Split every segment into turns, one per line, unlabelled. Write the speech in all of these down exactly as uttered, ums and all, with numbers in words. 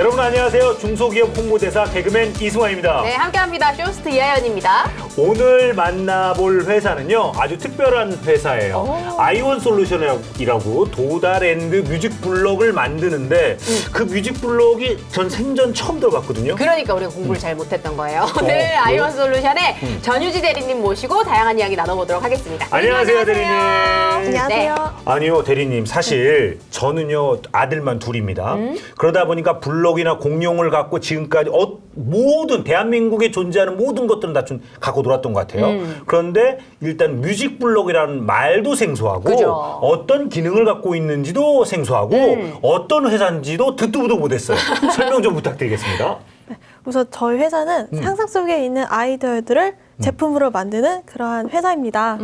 여러분 안녕하세요. 중소기업 홍보대사 개그맨 이승환입니다.
네, 함께합니다. 쇼스트 이하연입니다.
오늘 만나볼 회사는요, 아주 특별한 회사예요.
오.
아이원 솔루션이라고 도달앤드 뮤직 블록을 만드는데
음.
그 뮤직 블록이 전 생전 처음 들어봤거든요.
그러니까 우리가 공부를 잘 못했던 거예요.
어,
오늘
그래요?
아이원 솔루션의
음.
전유지 대리님 모시고 다양한 이야기 나눠보도록 하겠습니다.
안녕하세요, 대리님.
안녕하세요.
네.
아니요, 대리님. 사실 저는요, 아들만 둘입니다.
음?
그러다 보니까 블록이나 공룡을 갖고 지금까지 어, 모든 대한민국에 존재하는 모든 것들은 다 좀 갖고 놀았던 것 같아요.
음.
그런데 일단 뮤직 블록이라는 말도 생소하고
그죠.
어떤 기능을 갖고 있는지도 생소하고
음.
어떤 회사인지도 듣도 보도 못했어요. 설명 좀 부탁드리겠습니다.
우선 저희 회사는
음.
상상 속에 있는 아이디어들을 제품으로 만드는 그러한 회사입니다.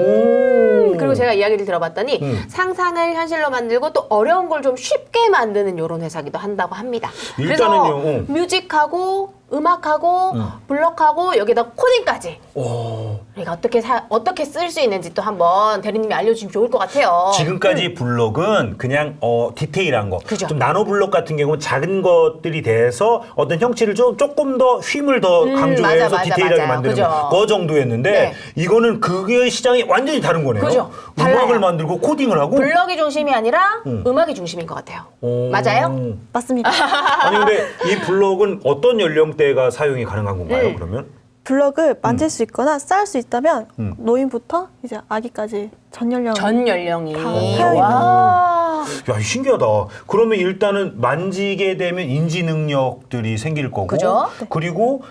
오.
그리고 제가 이야기를 들어봤더니
음.
상상을 현실로 만들고 또 어려운 걸 좀 쉽게 만드는 이런 회사기도 한다고 합니다.
일단은요,
그래서
어.
뮤직하고 음악하고
음.
블록하고 여기다 코딩까지
오.
우리가 어떻게 사, 어떻게 쓸 수 있는지 또 한번 대리님이 알려주시면 좋을 것 같아요.
지금까지 블록은 그냥 어, 디테일한 거,
그죠.
좀 나노 블록 같은 경우는 작은 것들이 돼서 어떤 형체를 좀 조금 더 힘을 더
음,
강조해서
맞아, 맞아,
디테일하게
맞아요.
만드는
그죠.
거 정도였는데
네.
이거는 그게 시장이 완전히 다른 거네요.
그죠.
음악을
달라요.
만들고 코딩을 하고.
블럭이 중심이 아니라
음.
음. 악이 중심인 것 같아요.
오.
맞아요?
맞습니다.
아니 근데 이 블록은 어떤 연령대가 사용이 가능한 건가요?
음.
그러면?
블럭을 만질 수 있거나 쌓을 수 있다면
음.
노인부터 이제 아기까지 전 연령
전 연령이.
다 사용이
와.
야, 신기하다. 그러면 일단은 만지게 되면 인지 능력들이 생길 거고,
그죠?
그리고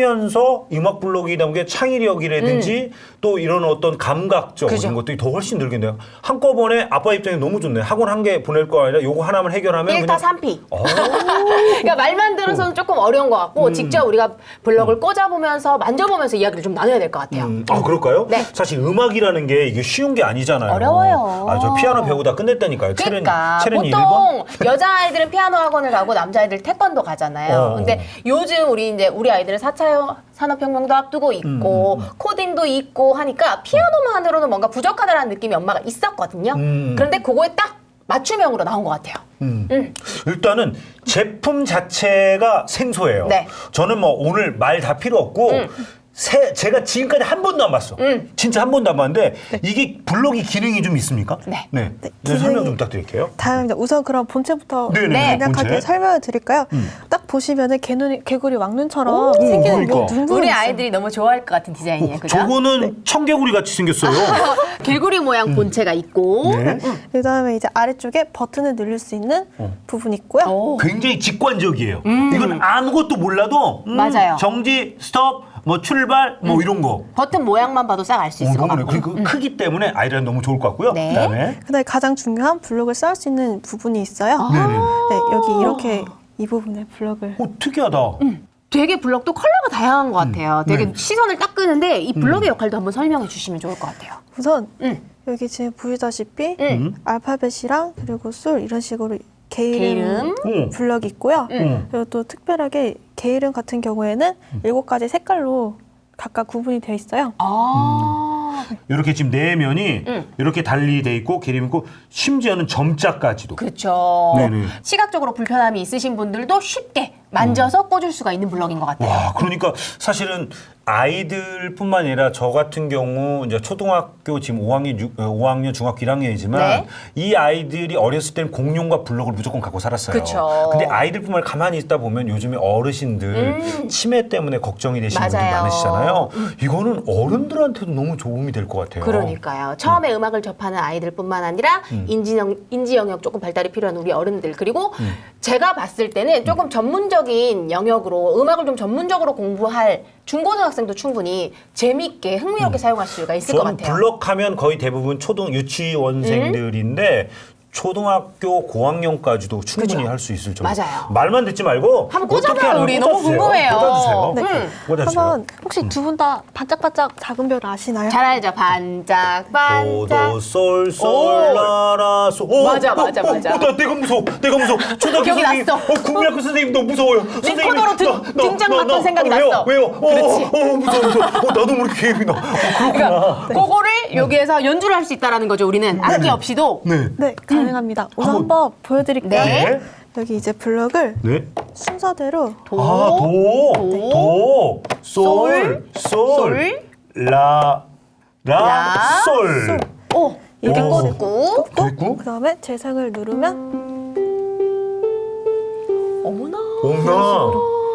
하면서 음악 블록이나 게 창의력이라든지 또 이런 어떤 감각적
그죠.
이런 것들이 더 훨씬 늘겠네요. 한꺼번에 아빠 입장에 너무 좋네. 학원 한 개 보낼 거 아니라 요거 하나만 해결하면
일타 삼피.
어.
그러니까 말만 들어서는 조금 어려운 것 같고 직접 우리가 블럭을 꽂아보면서 만져보면서 이야기를 좀 나눠야 될 것 같아요.
음, 아 그럴까요?
네.
사실 음악이라는 게 이게 쉬운 게 아니잖아요.
어려워요.
아, 저 피아노 배우다 끝냈다니까요.
그러니까
체른이
보통 여자아이들은 피아노 학원을 가고 남자아이들 태권도 가잖아요.
어.
근데 요즘 우리 이제 우리 아이들은 사 차 산업혁명도 앞두고 있고
음, 음, 음.
코딩도 있고 하니까 피아노만으로는 뭔가 부족하다라는 느낌이 엄마가 있었거든요.
음.
그런데 그거에 딱 맞춤형으로 나온 것 같아요.
음.
음.
일단은 제품 자체가 생소해요.
네.
저는 뭐 오늘 말 다 필요 없고
음.
새, 제가 지금까지 한 번도 안 봤어.
음.
진짜 한 번도 안 봤는데 이게 블록이 기능이 좀 있습니까?
네.
네.
네,
네, 설명
기능이-
좀 부탁드릴게요.
다음입니다. 우선 그럼 본체부터
네네,
네.
간략하게
본체.
설명을 드릴까요?
음.
딱 보시면은 개눈이, 개구리 왕눈처럼
오,
생기는
그러니까.
뭐 눈부분
우리
있어요.
아이들이 너무 좋아할 것 같은 디자인이에요. 그죠?
저거는 청개구리 같이 생겼어요.
개구리 모양 본체가 있고
네.
그다음에 이제 아래쪽에 버튼을 누를 수 있는
어.
부분이 있고요.
오.
굉장히 직관적이에요. 이건 아무것도 몰라도 음,
맞아요.
정지, 스톱, 뭐 출발, 뭐 이런 거.
버튼 모양만 봐도 싹 알 수 있을 것
너무
같고.
그리고 크기 때문에 아이들은 너무 좋을 것 같고요.
네.
그다음에
그다음에 가장 중요한 블럭을 쌓을 수 있는 부분이 있어요.
아.
네네.
네, 여기 이렇게 이 부분에 블럭을
오, 특이하다.
되게 블럭도 컬러가 다양한 것 같아요. 되게
네.
시선을 딱 끄는데 이 블럭의 역할도 한번 설명해 주시면 좋을 것 같아요.
우선
음.
여기 지금 보시다시피
음.
알파벳이랑 그리고 술 이런 식으로 게이름,
게이름.
음.
블럭이 있고요.
음.
그리고 또 특별하게 게이름 같은 경우에는 일곱 가지 색깔로 각각 구분이 되어 있어요.
아.
이렇게 지금 내면이
음.
이렇게 달리 돼 있고 기름 있고 심지어는 점자까지도.
그렇죠.
네네.
시각적으로 불편함이 있으신 분들도 쉽게 만져서 꽂을 수가 있는 블럭인 것 같아요.
와, 그러니까 사실은 아이들뿐만 아니라 저 같은 경우 이제 초등학교 지금 오 학년, 오 학년 중학교 일 학년이지만
네.
이 아이들이 어렸을 때는 공룡과 블럭을 무조건 갖고 살았어요.
그쵸.
근데 아이들뿐만 아니라 가만히 있다 보면 요즘에 어르신들
음.
치매 때문에 걱정이 되시는 분들
맞아요.
많으시잖아요. 이거는 어른들한테도 너무 도움이 될 것 같아요.
그러니까요. 처음에 음. 악을 접하는 아이들뿐만 아니라
음.
인지, 영, 인지 영역 조금 발달이 필요한 우리 어른들 그리고
음.
제가 봤을 때는 조금 전문적인 영역으로 음악을 좀 전문적으로 공부할 중고등학생도 충분히 재미있게 흥미롭게 사용할 수가 있을 것
저는
같아요.
블럭하면 거의 대부분 초등 유치원생들인데 초등학교 고학년까지도 충분히
그죠.
할 수 있을 정도.
맞아요.
말만 듣지 말고
한번
어떻게
꽂아봐요,
하는
우리.
꽂아주세요.
너무 궁금해요.
꽂아주세요.
네.
네. 꽂아주세요.
한번 혹시 두 분 다 반짝반짝 작은 별 아시나요?
잘 알죠. 반짝 반짝.
도도솔솔라라 소. 오,
맞아,
어,
맞아,
어,
맞아.
어, 나 내가 무서워. 내가 무서워. 초등학교
기억이
선생님.
났어.
어, 국민학교 선생님 너무 무서워요. 선생님이
리코더로 등-
나- 나-
등장
나-
봤던
나-
생각이
어, 왜요?
났어.
왜요? 어,
그렇지.
어, 어, 무서워 무서워. 어, 나도 모르게 계획이 나. 어, 그렇구나.
그러니까 그거를 여기에서 연주를 할 수 있다는 거죠. 우리는 악기 없이도.
네.
네, 가능합니다. 우선
한번-
한번 보여드릴게요.
네.
네.
여기 이제 블럭을
네.
순서대로
도,
아, 도,
도,
도, 솔, 솔,
솔,
라, 라,
라,
솔.
오 이렇게
오.
꽂고
됐고?
그 다음에 재생을 누르면
어머나
어머나.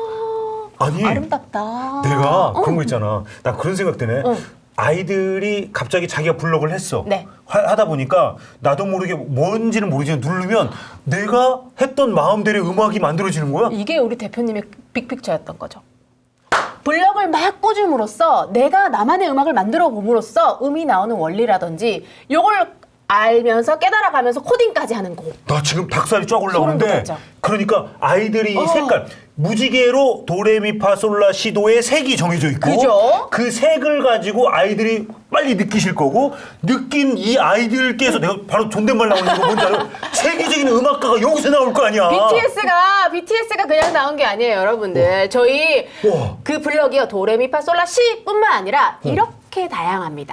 아니,
아름답다.
내가
어.
그런 거 있잖아. 나 그런 생각 드네.
어.
아이들이 갑자기 자기가 블럭을 했어.
네.
하, 하다 보니까 나도 모르게 뭔지는 모르지만 누르면 내가 했던 마음대로 음악이 만들어지는 거야.
이게 우리 대표님의 빅픽처였던 거죠. 블럭을 막 꽂음으로써 내가 나만의 음악을 만들어 봄으로써 음이 나오는 원리라든지 요걸 알면서 깨달아가면서 코딩까지 하는 곡.
나 지금 닭살이 쫙
소름
올라오는데
돋았죠.
그러니까 아이들이 이
어.
색깔 무지개로 도레미파솔라시도의 색이 정해져 있고
그죠?
그 색을 가지고 아이들이 빨리 느끼실 거고 느낀 이 아이들께서 내가 바로 존댓말 나오는 거 뭔지 알아요? 세계적인 음악가가 여기서 나올 거 아니야.
비티에스가 비티에스가 그냥 나온 게 아니에요, 여러분들. 저희
우와.
그 블럭이요 도레미파솔라시뿐만 아니라 이렇게 다양합니다.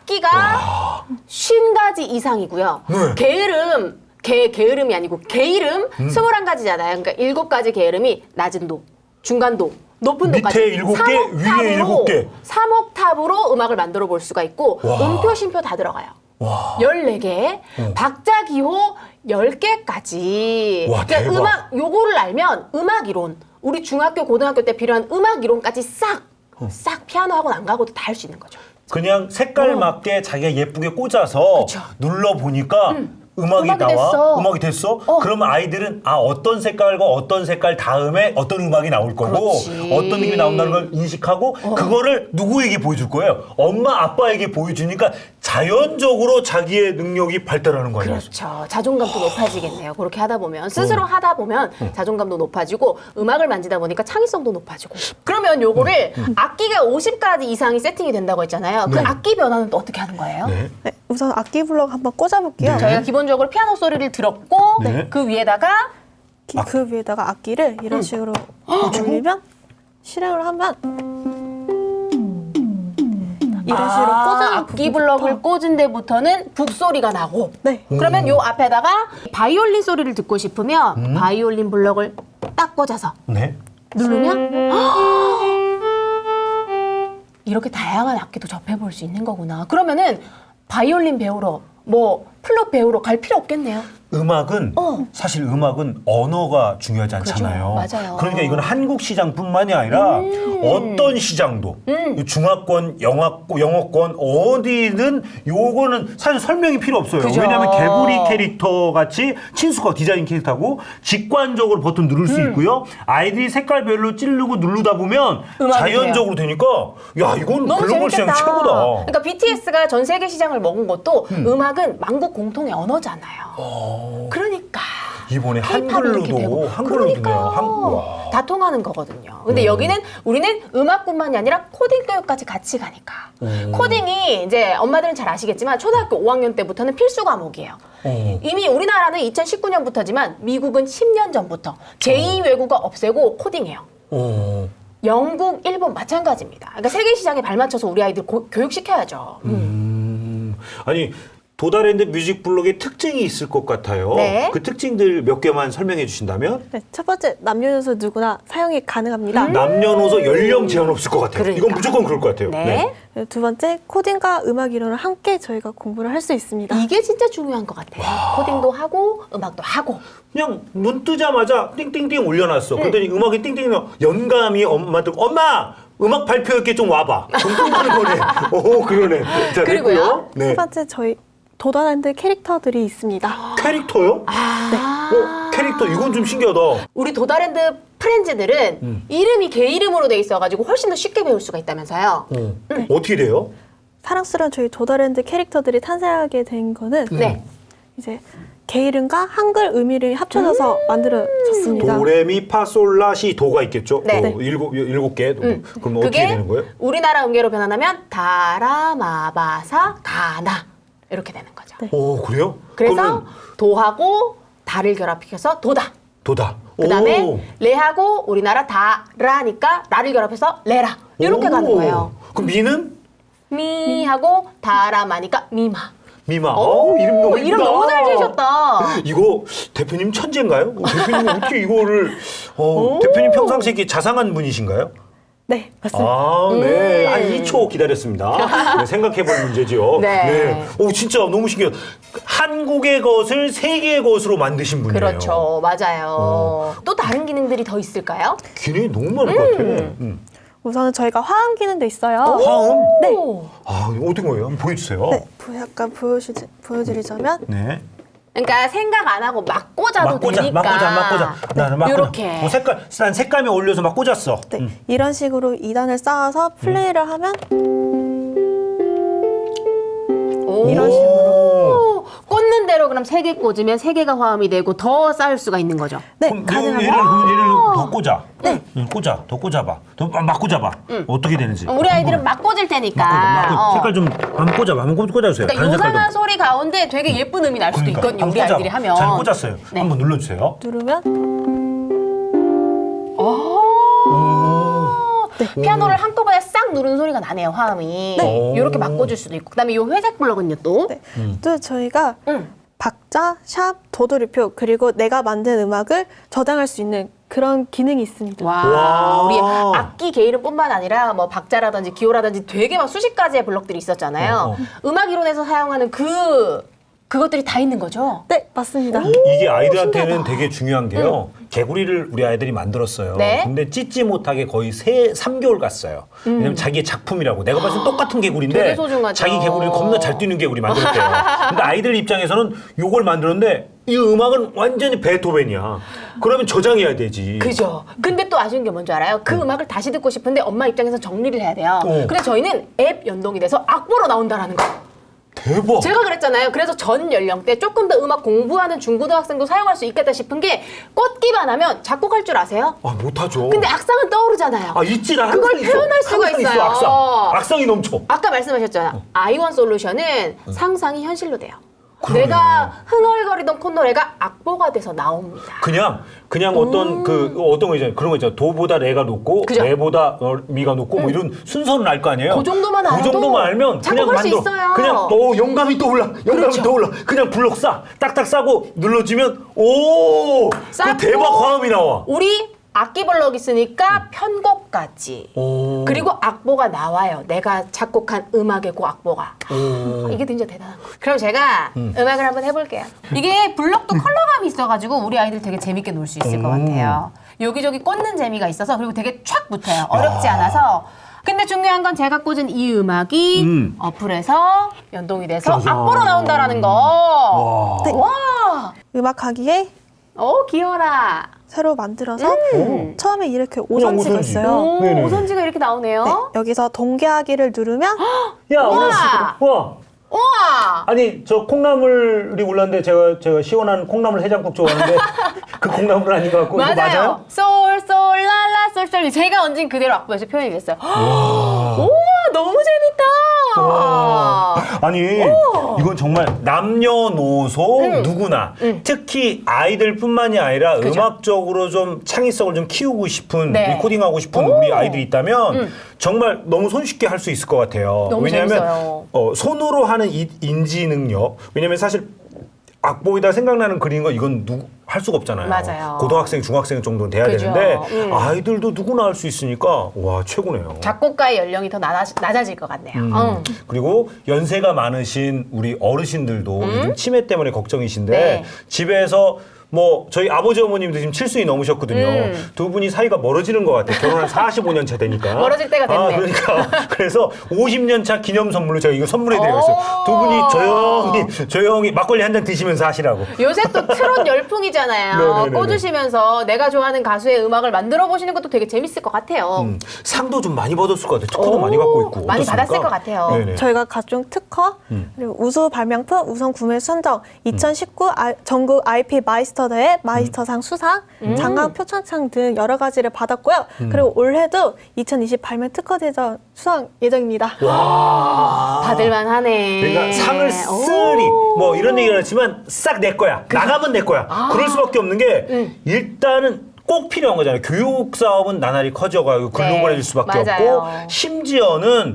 악기가 쉰 가지 이상이고요.
네.
게으름 게 게으름이 아니고 게이름 스물한 가지잖아요. 그러니까 일곱 가지 게으름이 낮은 도, 중간 도, 높은
밑에
도까지
일곱 개, 위에 일곱 개.
삼 옥탑으로 음악을 만들어 볼 수가 있고
와.
음표, 쉼표 다 들어가요.
와.
열네 개, 박자, 기호 열 개까지.
와,
그러니까
대박.
음악 요거를 알면 음악 이론, 우리 중학교, 고등학교 때 필요한 음악 이론까지 싹, 싹 피아노 학원 안 가고도 다 할 수 있는 거죠.
그냥 색깔
어.
맞게 자기가 예쁘게 꽂아서
그쵸.
눌러 보니까 음악이,
음악이
나와.
됐어.
음악이 됐어.
어.
그러면 아이들은 아 어떤 색깔과 어떤 색깔 다음에 어떤 음악이 나올 거고
그렇지.
어떤 느낌이 나온다는 걸 인식하고 그거를 누구에게 보여줄 거예요? 엄마 아빠에게 보여주니까 자연적으로 자기의 능력이 발달하는 거 아니야?
그렇죠. 자존감도 높아지겠네요. 그렇게 하다 보면 스스로 하다 보면 자존감도 높아지고 음악을 만지다 보니까 창의성도 높아지고. 그러면 요거를 악기가 오십 가지 이상이 세팅이 된다고 했잖아요. 그
네.
악기 변화는 또 어떻게 하는 거예요?
네.
네, 우선 악기 블럭 한번 꽂아볼게요.
네.
저희가 기본적으로 피아노 소리를 들었고
네.
그 위에다가
기- 그 위에다가 악기를 이런 식으로 올리면 실행을 하면 이런 식으로 꽂아
아, 악기 블럭을 꽂은 데부터는 북소리가 나고
네.
그러면 요 앞에다가 바이올린 소리를 듣고 싶으면 바이올린 블럭을 딱 꽂아서
네.
누르면 이렇게 다양한 악기도 접해볼 수 있는 거구나. 그러면은 바이올린 배우러 뭐 플룻 배우러 갈 필요 없겠네요.
음악은
어.
사실 음악은 언어가 중요하지 않잖아요.
그죠. 맞아요.
그러니까 이건 한국 시장뿐만이 아니라 어떤 시장도
음.
중화권, 영화권, 영어권 어디든 요거는 사실 설명이 필요 없어요.
그죠.
왜냐하면 개구리 캐릭터 같이 친숙하고 디자인 캐릭터고 직관적으로 버튼 누를 수 있고요. 아이들이 색깔별로 찌르고 누르다 보면
음. 음악이
자연적으로 되니까 야 이건
너무
글로벌 시장
재밌겠다.
최고다.
그러니까 비티에스가 전 세계 시장을 먹은 것도 음. 악은 만국 공통의 언어잖아요. 그러니까
이번에
K-팝이 이렇게
한글로도
되고.
한글로도 네요.
그러니까요.
한, 와.
다 통하는 거거든요. 근데 여기는 우리는 음악뿐만이 아니라 코딩 교육까지 같이 가니까.
음.
코딩이 이제 엄마들은 잘 아시겠지만 초등학교 오 학년 때부터는 필수 과목이에요.
어.
이미 우리나라는 이천십구 년부터지만 미국은 십 년 전부터 제이 외국어 없애고 코딩해요.
어.
영국, 일본 마찬가지입니다. 그러니까 세계 시장에 발맞춰서 우리 아이들 고, 교육시켜야죠. 음.
음, 아니 도달랜드 뮤직 블록의 특징이 있을 것 같아요.
네.
그 특징들 몇 개만 설명해 주신다면?
네, 첫 번째 남녀노소 누구나 사용이 가능합니다.
남녀노소 연령 제한 없을 것 같아요.
그러니까.
이건 무조건 그럴 것 같아요.
네.
네, 두 번째 코딩과 음악 이론을 함께 저희가 공부를 할 수 있습니다.
이게 진짜 중요한 것 같아요. 코딩도 하고 음악도 하고.
그냥 눈 뜨자마자 띵띵띵 올려놨어.
네.
그랬더니 음악이 띵띵 연감이 엄마한테 엄마 음악 발표할게 좀 와봐. 좀 띵하는 거네. 오 그러네. 자,
그리고요?
됐고요. 네.
세 번째 저희 도달랜드 캐릭터들이 있습니다.
캐릭터요?
아.
어, 캐릭터 이건 좀 신기하다.
우리 도달랜드 프렌즈들은
음.
이름이 개 이름으로 돼 있어가지고 훨씬 더 쉽게 배울 수가 있다면서요.
어. 어떻게 돼요?
사랑스러운 저희 도달랜드 캐릭터들이 탄생하게 된 거는
네.
이제 개 이름과 한글 의미를 합쳐져서 만들어졌습니다.
도레미파솔라시 도가 있겠죠?
네.
어, 일곱 일곱 개.
음.
그럼 어떻게 되는 거예요?
우리나라 음계로 변환하면 다라마바사 가나 이렇게 되는 거죠.
네.
오 그래요?
그래서
그러면
도하고 다를 결합해서 도다.
도다.
그다음에
오.
레하고 우리나라 다라니까 라를 결합해서 레라 이렇게
오.
가는 거예요.
그럼 미는
미하고 다라마니까 미마.
미마. 어우, 이름 너무
이름
이쁘다.
너무 잘 지으셨다.
이거 대표님 천재인가요? 어, 대표님 어떻게 이거를 어, 대표님 평상시에 이렇게 자상한 분이신가요?
네, 맞습니다.
아, 네.
음.
한 이 초 기다렸습니다. 네, 생각해볼 문제지요.
네.
오, 진짜 너무 신기해요. 한국의 것을 세계의 것으로 만드신 분이에요.
그렇죠. 맞아요.
어.
또 다른 기능들이 더 있을까요?
기능이 너무 많을 것 같아. 음.
우선은 저희가 화음 기능도 있어요.
화음?
네.
오.
아, 이거 어떤 거예요? 한번 보여주세요.
네, 보- 약간 보여주, 보여드리자면
네.
그러니까 생각 안 하고 막 꽂아도
막 꽂아,
되니까.
막 꽂아, 막 꽂아. 나는 막
요렇게.
꽂아. 뭐 색깔, 난 색감에 올려서 막 꽂았어.
네,
음.
이런 식으로 이 단을 쌓아서 플레이를 하면
오.
이런 식으로.
꽂는 대로 그럼 세 개 꽂으면 세 개가 화음이 되고 더 쌓을 수가 있는 거죠.
네,
그럼
가능합니다.
얘를, 그럼 얘를 더 꽂아. 네. 꽂아, 더 꽂아봐. 더 막 꽂아봐. 어떻게 되는지.
우리 아이들은 막 꽂을 테니까.
막 꽂아.
어.
색깔 좀 한번 꽂아봐. 한번 꽂- 꽂아주세요.
그러니까
다른 색깔도.
요상한 소리 가운데 되게 예쁜 음이 날 수도
그러니까.
있거든요. 우리
한번 꽂아봐.
아이들이 하면.
잘 꽂았어요.
네.
한번 눌러주세요.
누르면
네. 피아노를 한꺼번에 싹 누르는 소리가 나네요, 화음이.
네.
이렇게 막 꽂을 수도 있고. 그다음에 이 회색 블럭은요, 또.
네. 또 저희가
음.
박자, 샵, 도돌이표 그리고 내가 만든 음악을 저장할 수 있는 그런 기능이 있습니다.
와,
와.
우리 악기 개이름뿐만 아니라 뭐 박자라든지 기호라든지 되게 막 수십 가지의 블럭들이 있었잖아요.
어, 어.
음악 이론에서 사용하는 그 그것들이 다 있는 거죠.
네, 맞습니다.
이게 아이들한테는 되게 중요한 게요. 개구리를 우리 아이들이 만들었어요.
네.
근데 찢지 못하게 거의 세, 삼 개월 갔어요. 왜냐면 자기의 작품이라고. 내가 봤을 때 똑같은 개구리인데
되게 소중하죠.
자기 개구리를 겁나 잘 뛰는 개구리 만들었대요. 근데 아이들 입장에서는 요걸 만들었는데 이 음악은 완전히 베토벤이야. 그러면 저장해야 되지.
그죠. 근데 또 아쉬운 게 뭔지 알아요? 그 음악을 다시 듣고 싶은데 엄마 입장에서 정리를 해야 돼요.
어.
근데 저희는 앱 연동이 돼서 악보로 나온다라는 거.
대박.
제가 그랬잖아요. 그래서 전 연령대 조금 더 음악 공부하는 중고등학생도 사용할 수 있겠다 싶은 게 꽂기만 하면 작곡할 줄 아세요?
아, 못하죠.
근데 악상은 떠오르잖아요.
아, 있지라 항상
그걸
있어.
표현할 수가
항상
있어요.
있어, 악상. 악상이 넘쳐.
아까 말씀하셨잖아요. 아이원 솔루션은 상상이 현실로 돼요.
그러네.
내가 흥얼거리던 콧노래가 악보가 돼서 나옵니다.
그냥 그냥 어떤 그 어떤 거 있잖아요. 그런 거 있잖아요. 도보다 레가 높고
그죠.
레보다 어, 미가 높고 뭐 이런 순서는 알 거 아니에요.
그 정도만
그
알아도
정도만 알면 그냥
작곡할 수
만들어.
있어요.
그냥 또 영감이 떠올라. 영감이
그렇죠.
떠올라. 그냥 블록 싸. 딱딱 싸고 눌러주면 오! 그
쌓고
대박 화음이 나와.
우리 악기 블럭 있으니까 편곡까지.
오.
그리고 악보가 나와요. 내가 작곡한 음악의 그 악보가.
오.
이게 진짜 대단한 거. 그럼 제가 음. 악을 한번 해볼게요. 이게 블럭도 컬러감이 있어가지고 우리 아이들 되게 재밌게 놀 수 있을 것 같아요. 여기저기 꽂는 재미가 있어서 그리고 되게 촥 붙어요. 어렵지 않아서. 근데 중요한 건 제가 꽂은 이 음악이
음.
어플에서 연동이 돼서
짜잔.
악보로 나온다라는 거.
와.
네.
와.
음악하기에
어 귀여라.
새로 만들어서
음.
처음에 이렇게 오선지가
오선지.
있어요.
오,
네네.
오선지가 이렇게 나오네요.
네, 여기서 동계하기를 누르면
야,
우와.
오늘 와.
우와.
아니 저 콩나물이 올랐는데 제가 제가 시원한 콩나물 해장국 좋아하는데 그 콩나물은 아닌 것 같고 이거
맞아요.
맞아요?
솔, 솔, 랄라, 솔, 솔. 제가 얹은 그대로 악보에서 표현이 됐어요. 우와, 너무 재밌다.
와. 아니 이건 정말 남녀노소
음.
누구나 특히 아이들뿐만이 아니라
그죠.
음악적으로 좀 창의성을 좀 키우고 싶은
네.
리코딩하고 싶은
오.
우리 아이들이 있다면
음.
정말 너무 손쉽게 할 수 있을 것 같아요.
너무
왜냐하면
재밌어요.
어, 손으로 하는 이, 인지 능력. 왜냐하면 사실 악보에다 생각나는 그리는 거 이건 누구 할 수가 없잖아요.
맞아요.
고등학생, 중학생 정도는 돼야
그죠.
되는데
음.
아이들도 누구나 할 수 있으니까 와 최고네요.
작곡가의 연령이 더 낮아, 낮아질 것 같네요.
음.
응.
그리고 연세가 많으신 우리 어르신들도 요즘 치매 때문에 걱정이신데
음? 네.
집에서 뭐 저희 아버지 어머님도 지금 칠순이 넘으셨거든요.
음.
두 분이 사이가 멀어지는 것 같아요. 결혼한 사십오 년 차 되니까.
멀어질 때가 됐네.
아, 그러니까 그래서 오십 년 차 기념 선물로 제가 이거 선물해드리겠어요.
오.
두 분이 조용히 조용히 막걸리 한 잔 드시면서 하시라고.
요새 또 트롯 열풍이잖아요.
네네네네.
꽂으시면서 내가 좋아하는 가수의 음악을 만들어 보시는 것도 되게 재밌을 것 같아요.
음, 상도 좀 많이 받았을 것 같아요. 특허도
오,
많이 갖고 있고.
많이
어떻습니까?
받았을 것 같아요.
네네.
저희가 각종 특허
음.
그리고 우수 발명품 우선 구매 선정 이천십구 아, 전국 아이피 마이스터 대회 마이스터상 수상
음.
장강 표창장 등 여러 가지를 받았고요. 그리고 올해도 이천이십 발명 특허 대전 수상 예정입니다.
와.
받을만 하네.
그러니까 상을 쓰리 뭐 이런 얘기를 했지만 싹 내 거야. 나가면 내 거야. 그럴 수밖에 없는 게
음.
일단은 꼭 필요한 거잖아요. 교육 사업은 나날이 커져가고 글로벌해질 수밖에
맞아요.
없고 심지어는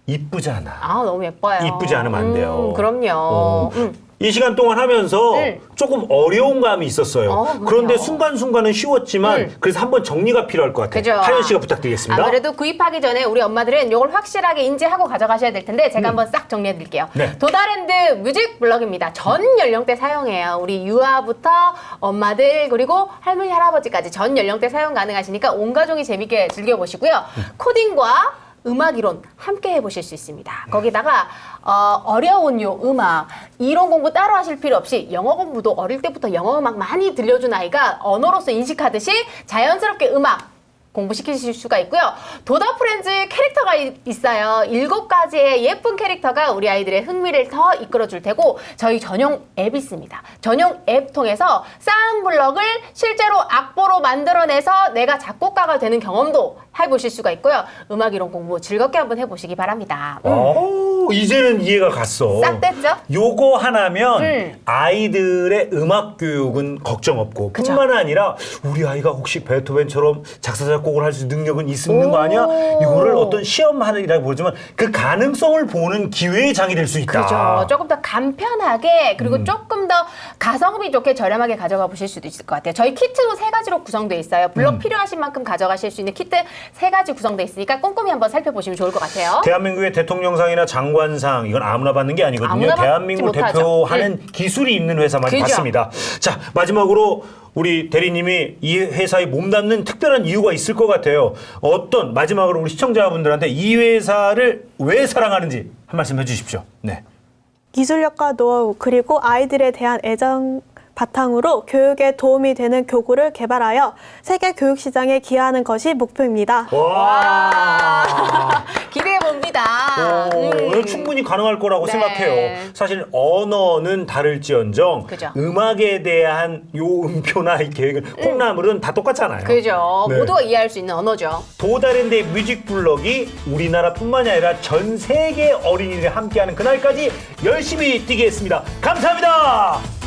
이쁘잖아.
아, 너무 예뻐요.
이쁘지 않으면 안 돼요.
음, 그럼요.
어.
음.
이 시간 동안 하면서
음.
조금 어려운 감이 있었어요.
어, 그럼요.
그런데 순간순간은 쉬웠지만
음.
그래서 한번 정리가 필요할 것 같아요.
그죠.
하연 씨가 부탁드리겠습니다.
아무래도 구입하기 전에 우리 엄마들은 이걸 확실하게 인지하고 가져가셔야 될 텐데 제가 한번 싹 정리해 드릴게요.
네.
도다랜드 뮤직 블럭입니다. 전 연령대 사용해요. 우리 유아부터 엄마들 그리고 할머니 할아버지까지 전 연령대 사용 가능하시니까 온 가족이 재밌게 즐겨보시고요. 코딩과 음악 이론 함께 해보실 수 있습니다. 거기다가 어, 어려운 요 음악 이론 공부 따로 하실 필요 없이 영어 공부도 어릴 때부터 영어 음악 많이 들려준 아이가 언어로서 인식하듯이 자연스럽게 음악 공부시키실 수가 있고요. 도다 프렌즈 캐릭터가 이- 있어요. 일곱 가지의 예쁜 캐릭터가 우리 아이들의 흥미를 더 이끌어줄 테고 저희 전용 앱이 있습니다. 전용 앱 통해서 쌓은 블럭을 실제로 악보로 만들어내서 내가 작곡가가 되는 경험도 해보실 수가 있고요. 음악 이론 공부 즐겁게 한번 해보시기 바랍니다. 음.
오, 이제는 이해가 갔어.
싹 됐죠?
요거 하나면
음.
아이들의 음악 교육은 걱정 없고
그죠.
뿐만 아니라 우리 아이가 혹시 베토벤처럼 작사 작곡을 할 수 있는 능력은 있는 거 아니야?
오.
이거를 어떤 시험하느라고 보지만 그 가능성을 보는 기회의 장이 될 수 있다.
그죠. 조금 더 간편하게 그리고 조금 더 가성비 좋게 저렴하게 가져가 보실 수도 있을 것 같아요. 저희 키트도 세 가지로 구성되어 있어요. 블럭 필요하신 만큼 가져가실 수 있는 키트 세 가지 구성되어 있으니까 꼼꼼히 한번 살펴보시면 좋을 것 같아요.
대한민국의 대통령상이나 장관상 이건 아무나 받는 게 아니거든요.
아무나 받지
대한민국을
못하죠.
대표하는 기술이 있는 회사만
그죠.
받습니다. 자, 마지막으로 우리 대리님이 이 회사에 몸담는 특별한 이유가 있을 것 같아요. 어떤 마지막으로 우리 시청자분들한테 이 회사를 왜 사랑하는지 한 말씀 해주십시오. 네.
기술력과 노하우 그리고 아이들에 대한 애정 바탕으로 교육에 도움이 되는 교구를 개발하여 세계 교육 시장에 기여하는 것이 목표입니다.
와.
기대해 봅니다.
오,
음.
충분히 가능할 거라고
네.
생각해요. 사실 언어는 다를지언정
그죠.
음악에 대한 요 음표나 이 계획은 콩나물은 다 똑같잖아요.
그죠.
네.
모두가 이해할 수 있는 언어죠.
도다랜드의 뮤직 블럭이 우리나라뿐만이 아니라 전 세계 어린이들이 함께하는 그날까지 열심히 뛰겠습니다. 감사합니다.